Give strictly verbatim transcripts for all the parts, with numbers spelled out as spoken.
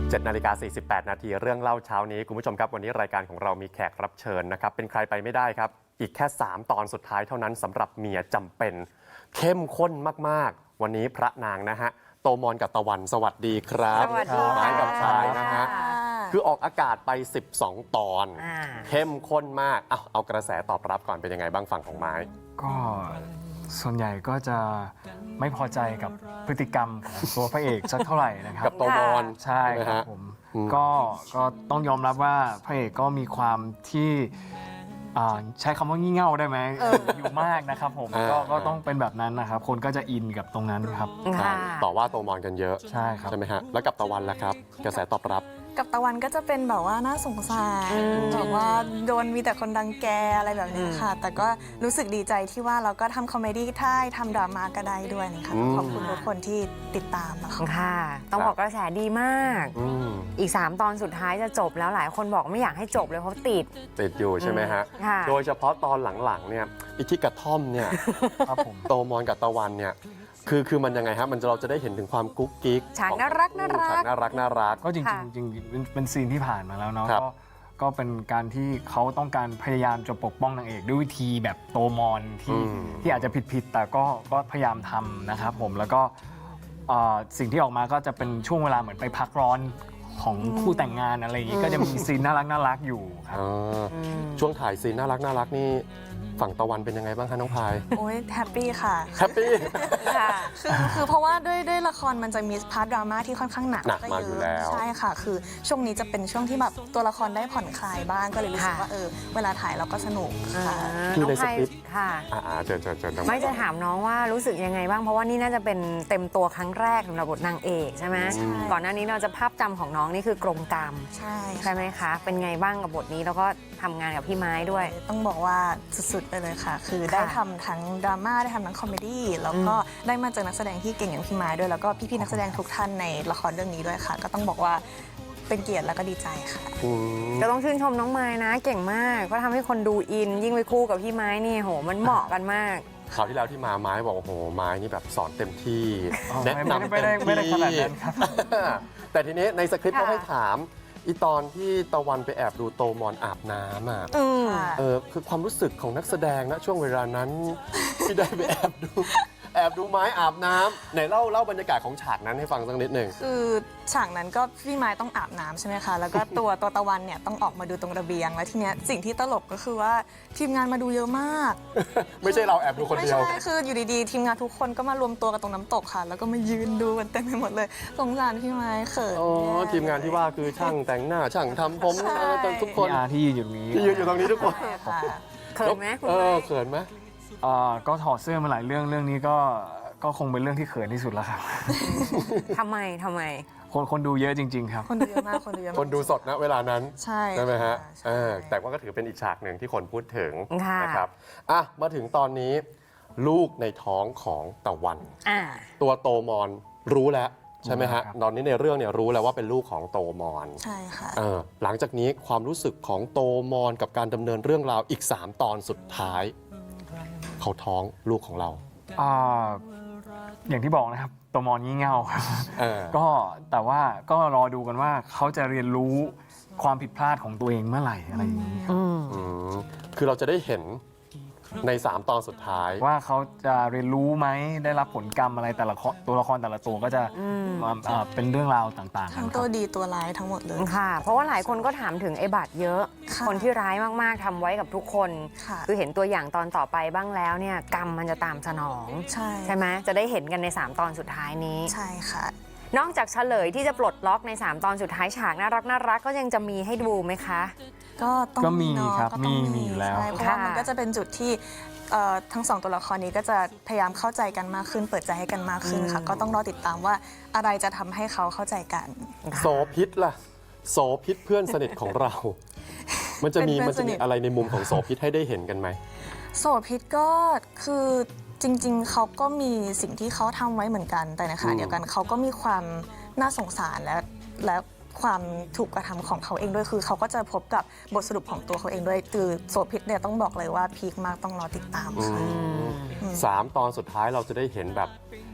เจ็ดนาฬิกาสี่สิบแปดนาทีเรื่องเล่าเช้านี้คุณผู้ชมครับวันนี้รายการของเรามีแขกรับเชิญนะครับเป็นใครไปไม่ได้ครับอีกแค่สามตอนสุดท้ายเท่านั้นสำหรับเมียจำเป็นเข้มข้นมากๆวันนี้พระนางนะฮะโตมอนกับตะวันสวัสดีครับสวัสดีค่ะไม้กับชายนะฮะคือออกอากาศไปสิบสองตอนเข้มข้นมากเอาเอากระแสตอบรับก่อนเป็นยังไงบ้างฝั่งของไม้ก็ส่วนใหญ่ก็จะไม่พอใจกับพฤติกรรมของตัวพระเอกสักเท่าไหร่นะครับกับโตมอนใช่ครับผมก็ก็ต้องยอมรับว่าพระเอกก็มีความที่ใช้คำว่างี่เง่าได้ไหมอยู่มากนะครับผมก็ก็ต้องเป็นแบบนั้นนะครับคนก็จะอินกับตรงนั้นครับต่อว่าโตมอนกันเยอะใช่ครับใช่ไหมฮะแล้วกับตะวันล่ะครับกระแสตอบรับกับตะวันก็จะเป็นแบบว่าน่าสงสารแบบว่าโดนมีแต่คนดังแกอะไรแบบนี้ค่ะแต่ก็รู้สึกดีใจที่ว่าเราก็ทำคอมเมดี้ได้ทำดราม่าก็ได้ด้วยนะคะขอบคุณทุกคนที่ติดตามนะคะค่ะต้องบอกกระแสดีมากอีกสามตอนสุดท้ายจะจบแล้วหลายคนบอกไม่อยากให้จบเลยเพราะติดติดอยู่ใช่ไหมฮะโดยเฉพาะตอนหลังๆเนี่ยอีที่กระท่อมเนี่ยโตมอนกับตะวันเนี่ยคือคือมันยังไงฮะมันเราจะได้เห็นถึงความกุ๊กกิ๊กฉากน่ารักน่ารักฉากน่ารักน่ารักก็จริงจริงเป็นซีนที่ผ่านมาแล้วเนาะก็ก็เป็นการที่เขาต้องการพยายามจะปกป้องนางเอกด้วยวิธีแบบโตมอนที่ที่อาจจะผิดผิดแต่ก็ก็พยายามทำนะครับผมแล้วก็สิ่งที่ออกมาก็จะเป็นช่วงเวลาเหมือนไปพักร้อนของคู่แต่งงานอะไรอย่างนี้ก็จะมีซีนน่ารักน่ารักอยู่ครับช่วงถ่ายซีนน่ารักน่ารักนี่ฝั่งตะวันเป็นยังไงบ้างคะน้องพายโอ้ยแฮปปี้ค่ะแฮปปี้ค่ะคือคือเพราะว่าด้วยด้วยละครมันจะมีพาร์ทดราม่าที่ค่อนข้างหนักหนักมาอยู่แล้วใช่ค่ะคือช่วงนี้จะเป็นช่วงที่แบบตัวละครได้ผ่อนคลายบ้างก็เลยรู้สึกว่าเออเวลาถ่ายเราก็สนุกค่ะคือในสคริปต์ค่ะอ่าเจอเจอเจอไม่จะถามน้องว่ารู้สึกยังไงบ้างเพราะว่านี่น่าจะเป็นเต็มตัวครั้งแรกสำหรับบทนางเอกใช่ไหมก่อนหน้านี้เราจะภาพจำของน้องนี่คือกรงกรรมใช่ใช่ไหมคะเป็นไงบ้างกับบทนี้แล้วก็ทำงานกับพี่ไม้ด้วยต้องบอกว่าสุดๆไปเลยค่ะคือได้ทำทั้งดราม่าได้ทำทั้งคอมเมดี้แล้วก็ได้มาเจอนักแสดงที่เก่งอย่างพี่ไม้ด้วยแล้วก็พี่ๆนักแสดงทุกท่านในละครเรื่องนี้ด้วยค่ะก็ต้องบอกว่าเป็นเกียรติแล้วก็ดีใจค่ะก็ต้องชื่นชมน้องไม้นะเก่งมากก็ทำให้คนดูอินยิ่งไปคู่กับพี่ไม้นี่โหมันเหมาะกันมากคราวที่แล้วที่มาไม้บอกโอ้โหไม้นี่แบบสอนเต็มที่แนะนำไม่ได้ไม่ได้ขนาดนั้นครับแต่ทีนี้ในสคริปต์ก็ให้ถามอีตอนที่ตะวันไปแอบดูโตมอนอาบน้ำอ่ะเออคือความรู้สึกของนักแสดงนะช่วงเวลานั้นที่ได้ไปแอบดูแอบดูไม้อาบน้ำไหนเล่าเล่าบรรยากาศของฉากนั้นให้ฟังสักนิดหนึ่งคือฉากนั้นก็พี่ไม้ต้องอาบน้ำใช่ไหมคะแล้วก็ตัวตัวตะวันเนี่ยต้องออกมาดูตรงระเบียงแล้วทีเนี้ยสิ่งที่ตลกก็คือว่าทีมงานมาดูเยอะมากไม่ใช่เราแอบดูคนเดียวไม่ใช่คืออยู่ดีๆทีมงานทุกคนก็มารวมตัวกันตรงน้ำตกค่ะแล้วก็มายืนดูกันเต็มไปหมดเลยสงสารพี่ไม้เขินอ๋อทีมงานที่ว่าคือช่างแต่งหน้าช่างทำผมทุกคนที่ยืนอยู่นี้ที่ยืนอยู่ตรงนี้ทุกคนเขินไหมเออเขินไหมก็ถอดเสื้อมาหลายเรื่องเรื่องนี้ก็ก็คงเป็นเรื่องที่เขินที่สุดแล้วครับทำไมทำไมคนคนดูเยอะจริงๆครับคนดูเยอะมากคนดูเยอะคนดูสดนะเวลานั้นใช่ใช่ไหมฮะแต่ว่าก็ถือเป็นอีกฉากหนึ่งที่คนพูดถึงนะครับอ่ะมาถึงตอนนี้ลูกในท้องของตะวันตัวโตมอนรู้แล้วใช่ไหมฮะตอนนี้ในเรื่องเนี่ยรู้แล้วว่าเป็นลูกของโตมอนใช่ค่ะหลังจากนี้ความรู้สึกของโตมอนกับการดำเนินเรื่องราวอีกสามตอนสุดท้ายเขาท้องลูกของเราอ่าอย่างที่บอกนะครับโตมอนงี่เง่าครับก็แต่ว่าก็รอดูกันว่าเขาจะเรียนรู้ความผิดพลาดของตัวเองเมื่อไหร่อะไรอย่างนี้ครับคือเราจะได้เห็นในสามตอนสุดท้ายว่าเขาจะเรียนรู้ไหมได้รับผลกรรมอะไรแต่ละตัวละครแต่ละตัวก็จะเป็นเรื่องราวต่างๆทั้งตัวดีตัวร้ายทั้งหมดเลยค่ะเพราะว่าหลายคนก็ถามถึงไอ้บาดเยอะคนที่ร้ายมากๆทำไว้กับทุกคนคือเห็นตัวอย่างตอนต่อไปบ้างแล้วเนี่ยกรรมมันจะตามสนองใช่ใช่ไหมจะได้เห็นกันในสามตอนสุดท้ายนี้ใช่ค่ะนอกจากเฉลยที่จะปลดล็อกในสามตอนสุดท้ายฉากน่ารักน่ารักก็ยังจะมีให้ดูไหมคะก็ต้องมีครับมีมีแล้วเพราะว่ามันก็จะเป็นจุดที่ทั้งสองตัวละครนี้ก็จะพยายามเข้าใจกันมากขึ้นเปิดใจให้กันมากขึ้นค่ะก็ต้องรอติดตามว่าอะไรจะทำให้เขาเข้าใจกันโสพิษล่ะโสพิษเพื่อนสนิทของเรา มันจะมีมันจะมีอะไรในมุมของโสพิษให้ได้เห็นกันไหมโสพิษก็คือจริงๆเขาก็มีสิ่งที่เขาทำไว้เหมือนกันแต่นะคะเดียวกันเขาก็มีความน่าสงสารและและความถูกกระทำของเขาเองด้วยคือเขาก็จะพบกับบทสรุปของตัวเขาเองด้วยคือโสพิษเนี่ยต้องบอกเลยว่าพีคมากต้องรอติดตามค่ะสามตอนสุดท้ายเราจะได้เห็นแบบ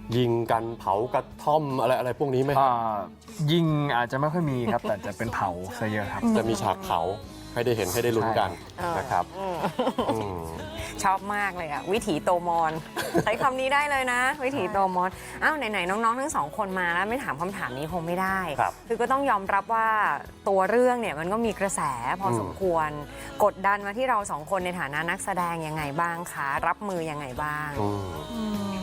ยิงกันเผากระท่อมอะไรอะไรพวกนี้ไหมคอ่รับายิงอาจจะไม่ค่อยมีครับ แต่จะเป็นเผาซะเยอะครับจะมีฉากเผาให้ได้เห็นให้ได้ลุ้นกันนะครับอืมชอบมากเลยอะวิถีโตมอน ใช้คำนี้ได้เลยนะ วิถีโตมอนอ้าวไหนๆน้องๆทั้งสองคนมาแล้วไม่ถามคำถามนี้คงไม่ได้ครับคือก็ต้องยอมรับว่าตัวเรื่องเนี่ยมันก็มีกระแสพออมสมควร กดดันมาที่เราสองคนในฐานะนักแสดงยังไงบ้างคะรับมือยังไงบ้างอืมอืม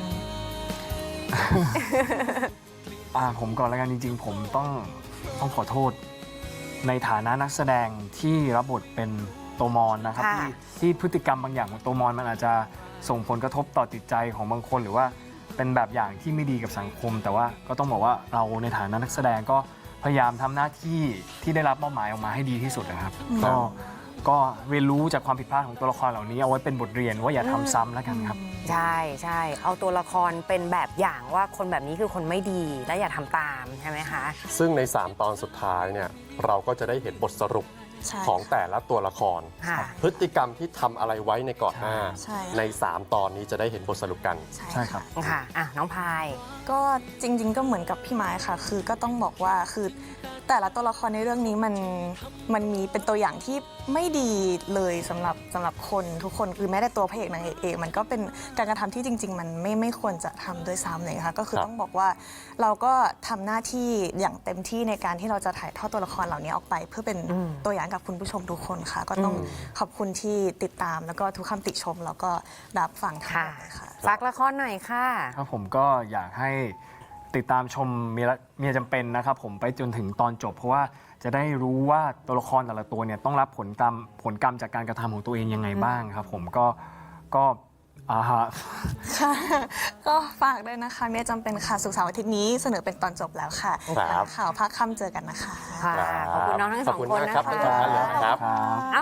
อ่าผมก่อนแล้วกันจริงๆ ผมต้องต้องขอโทษในฐานะนักแสดงที่รับบทเป็นโตมอนนะครับค่ะที่ที่พฤติกรรมบางอย่างของโตมอนมันอาจจะส่งผลกระทบต่อจิตใจของบางคน หรือว่าเป็นแบบอย่างที่ไม่ดีกับสังคม แต่ว่าก็ต้องบอกว่าเราในฐานะนักแสดงก็พยายามทำหน้าที่ที่ได้รับมอบหมายออกมาให้ดีที่สุดนะครับอืมก็ก็เรียนรู้จากความผิดพลาดของตัวละครเหล่านี้เอาไว้เป็นบทเรียนว่าอย่าทำซ้ำแล้วกันครับใช่ใช่เอาตัวละครเป็นแบบอย่างว่าคนแบบนี้คือคนไม่ดีและอย่าทำตามใช่ไหมคะซึ่งใน สาม ตอนสุดท้ายเนี่ยเราก็จะได้เห็นบทสรุปใช่ของแต่ละตัวละครค่ะพฤติกรรมที่ทำอะไรไว้ในก่อนหน้าใช่ค่ะใน สาม ตอนนี้จะได้เห็นบทสรุปกันใช่ครับค่ะอ่ะน้องพายก็จริง ๆ ก็เหมือนกับพี่ไม้ค่ะ คือก็ต้องบอกว่าคือแต่ละตัวละครในเรื่องนี้มันมันมีเป็นตัวอย่างที่ไม่ดีเลยสำหรับสำหรับคนทุกคนคือแม้แต่ตัวพระเอกนางเอกเองมันก็เป็นการกระทำที่จริง ๆ มันไม่ไม่ควรจะทำด้วยซ้ำเลยค่ะก็คือครับต้องบอกว่าเราก็ทำหน้าที่อย่างเต็มที่ในการที่เราจะถ่ายทอดตัวละครเหล่านี้ออกไป เพื่อเป็นอืมตัวอย่างกับคุณผู้ชมทุกคนค่ะ ก็ต้องขอบคุณที่ติดตามแล้วก็ทุกคำติชมแล้วก็รับฟังทั้งหค่ะมดเลยค่ะฝากละครหน่อยค่ะครับผมก็อยากให้ติดตามชมเมียละเมียจำเป็นนะครับผมไปจนถึงตอนจบ เพราะว่าจะได้รู้ว่าตัวละครแต่ละตัวเนี่ยต้องรับผลกรรมผลกรรมจากการกระทำของตัวเองยังไงบ้างครับผมก็ก็อ่าฮะค่ะ ก็ฝากด้วยนะคะเมียจำเป็นค่ะสุกร์เสาร์อาทิตย์นี้เสนอเป็นตอนจบแล้วค่ะครับข่าวภาคค่ำเจอกันนะคะค่ะ ขอบคุณน้องทั้งสองขอบคุณคนมากนะครับคะทั้งสองท่านเลยนะครับครับ